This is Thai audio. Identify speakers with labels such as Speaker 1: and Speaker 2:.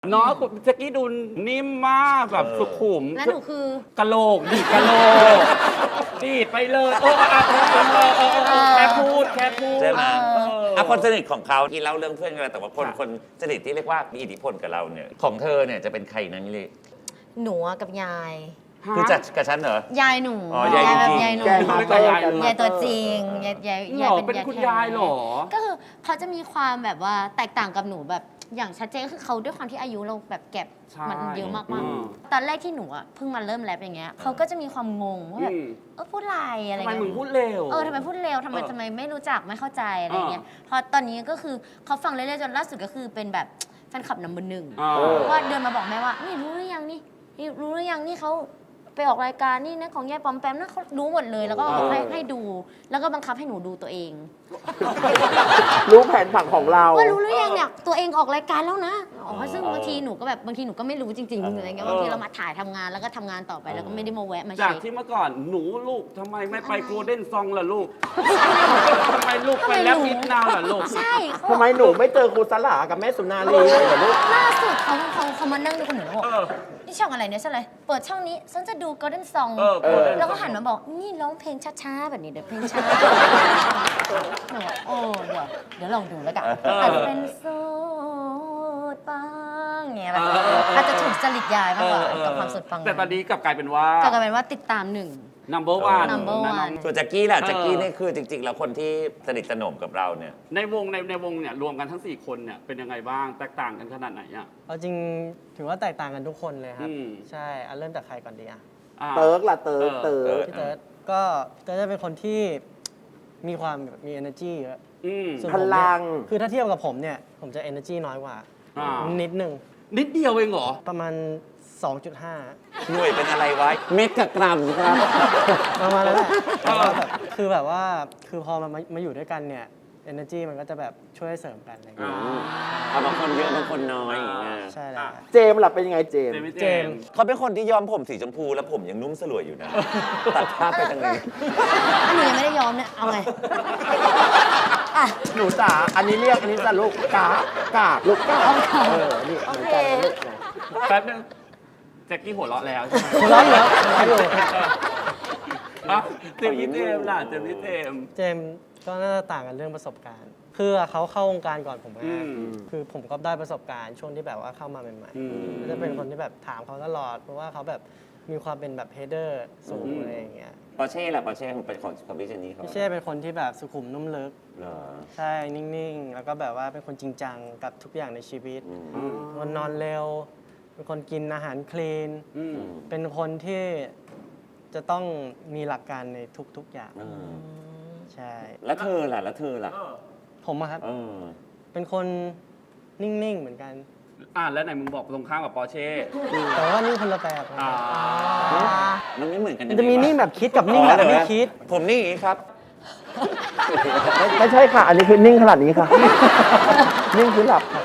Speaker 1: เนาะแจ็กกี้ดูนิ่มมากแบบสุขุม
Speaker 2: แล้วหนูคือก
Speaker 1: ะโหลกดีดกะโหลกดีดไปเลยแค่พูด
Speaker 3: ใช่ไหมคนสนิทของเขาที่เล่าเรื่องเพื่อนกันแต่ว่าคนสนิทที่เรียกว่ามีอิทธิพลกับเราเนี่ยของเธอเนี่ยจะเป็นใครนะมิลลี่
Speaker 2: หนูกับยาย
Speaker 3: คือจัดกับฉันเหรอย
Speaker 2: ายหนู
Speaker 3: อ๋อยายจริง
Speaker 2: ยายหนู
Speaker 1: ยายตัว
Speaker 2: ตัวจริงยาย
Speaker 1: เป็นคุณยายหรอ
Speaker 2: ก็คือเขาจะมีความแบบว่าแตกต่างกับหนูแบบอย่างชัดเจนก็คือเขาด้วยความที่อายุเราแบบแก็บมันเยอะมากๆตอนแรกที่หนูอ่ะเพิ่งมาเริ่มแรปอย่างเงี้ยเขาก็จะมีความงงว่าแบบพูดอะไร
Speaker 1: ทำไม
Speaker 2: เงี้ย
Speaker 1: มึงพูดเร็ว
Speaker 2: ทำไมพูดเร็วทำไมไม่รู้จักไม่เข้าใจอะไรเงี้ยพอตอนนี้ก็คือเขาฟังเรื่อยๆจนล่าสุดก็คือเป็นแบบแฟนคลับนัมเบอร์ 1ว่าเดินมาบอกแม่ว่านี่รู้หรือยังนี่เขาไปออกรายการนี่นะของยายปอมแปมนะเขารู้หมดเลยแล้วก็ให้ดูแล้วก็บังคับให้หนูดูตัวเอง
Speaker 4: รู้แผนผังของเรา
Speaker 2: ว่ารู้หรือยังเนี่ยตัวเองออกรายการแล้วนะซึ่งบางทีหนูก็ไม่รู้จริงๆอะไรเงี้ยบางทีเรามาถ่ายทำงานแล้วก็ทำงานต่อไปแล้วก็ไม่ได้มาแวะมา
Speaker 1: จาก
Speaker 2: เช็ค
Speaker 1: ที่เมื่อก่อนหนูลูกทำไมไม่ไปโกลเด้นซองล่ะลูกทำไมลูกไปแลบนิดนาวล่ะลูก
Speaker 2: ใช่
Speaker 4: ทำไมหนูไม่เจอครูสลากับแม่สุนารีเลยเหรอลูก
Speaker 2: ล่าสุดเขามานั่งดูคนหนูแล้วบอกนี่ช่องอะไรเนี่ยใช่เลยเปิดช่องนี้ฉันจะดู Golden Song แล้วก็หันมาบอกนี่ร้องเพลงช้าๆแบบนี้เดี๋ยวเพลงช้าหนูเดี๋ยวลองดูแล้วกันอาจจะเป็นสูตรปังเงี้ยแบบอาจจะถูกจริตยายมากกว่ากับความสุดปัง
Speaker 1: แต่ตอนนี้กลับกลายเป็นว่า
Speaker 2: ติดตาม1
Speaker 1: number one
Speaker 3: ส่วนแจ็คกี้ล่ะแจ็คกี้นี่คือจริงๆแล้วคนที่สนิทสนมกับเราเนี่ย
Speaker 1: ในวงเนี่ยรวมกันทั้ง4คนเนี่ยเป็นยังไงบ้างแตกต่างกันขนาดไหนอ่ะ
Speaker 5: เอาจริงถือว่าแตกต่างกันทุกคนเลยครับใช่เริ่มจากใครก่อนดีอ่ะ
Speaker 4: เติร์กล่ะเติร์ก
Speaker 5: พี่เติร์กก็เติร์กจะเป็นคนที่มีความมี energy เยอะ
Speaker 4: พลัง
Speaker 5: คือถ้าเทียบกับผมเนี่ยผมจะ energy น้อยกว่านิดนึง
Speaker 1: นิดเดียวเองเหรอ
Speaker 5: ประมาณ 2.5
Speaker 3: หน่วยเป็นอะไรวะเมตรกับกรัมครับ
Speaker 5: ประมาณนั้นแหละคือแบบว่าคือพอมาอยู่ด้วยกันเนี่ย energy มันก็จะแบบช่วยเสริมกันอะไรอย่างเงี้ย
Speaker 3: บางคนเยอะบางคนน้อยอย่างเงี้ย
Speaker 5: ใช่แล้ว
Speaker 4: เจมส์ล่ะเป็นยังไงเจมส์
Speaker 3: เขาเป็นคนที่ย้อมผมสีชมพูแล้วผมยังนุ่มสลวยอยู่นะตัดภาพไปทางนี้
Speaker 2: หนูยังไม่ได้ย้อมเนี่ยเอาไง
Speaker 4: หนูจ๋าอันนี้จะลูกกาลูกกานี่เหมือนกันลูก
Speaker 1: แป๊บนึงแจ็คกี้หัวเราะแล้ว
Speaker 5: หัวเราะเหรออยู่
Speaker 1: เจมส์ล่ะเจมส์
Speaker 5: ก็น่าจะต่างกันเรื่องประสบการณ์คือเขาเข้าวงการก่อนผมคือผมก็ได้ประสบการณ์ช่วงที่แบบว่าเข้ามาใหม่ๆจะเป็นคนที่แบบถามเขาตลอดเพราะว่าเขาแบบมีความเป็นแบบเฮดเดอร์สูงอะไรอย่างเงี้ย
Speaker 3: ปอร์เช่ล่ะปอร์เช่ของพี่เจนนี่เขา
Speaker 5: พี่เช่เป็นคนที่แบบสุขุมนุ่มลึกใช่นิ่งๆแล้วก็แบบว่าเป็นคนจริงจังกับทุกอย่างในชีวิตคนนอนเร็วเป็นคนกินอาหารคลีนเป็นคนที่จะต้องมีหลักการในทุกๆอย่างใช่
Speaker 3: แล้วเธอล่ะ
Speaker 5: ผมอะครับเป็นคนนิ่งๆเหมือนกัน
Speaker 1: แล้วไหนมึงบอกตรงข้ามกับปอร์เช่
Speaker 5: แต่ว่านิ่งคนละแบบ
Speaker 3: มันไม่เหมือนกัน
Speaker 5: มันจะมีนิ่งแบบคิดกับนิ่งแบบไม่คิด
Speaker 3: ผมนิ่งอย่างนี้ครับ
Speaker 4: ไม่ใช่ค่ะอันนี้คือนิ่งขนาดนี้ค่ะนิ่งคือหลับค่ะ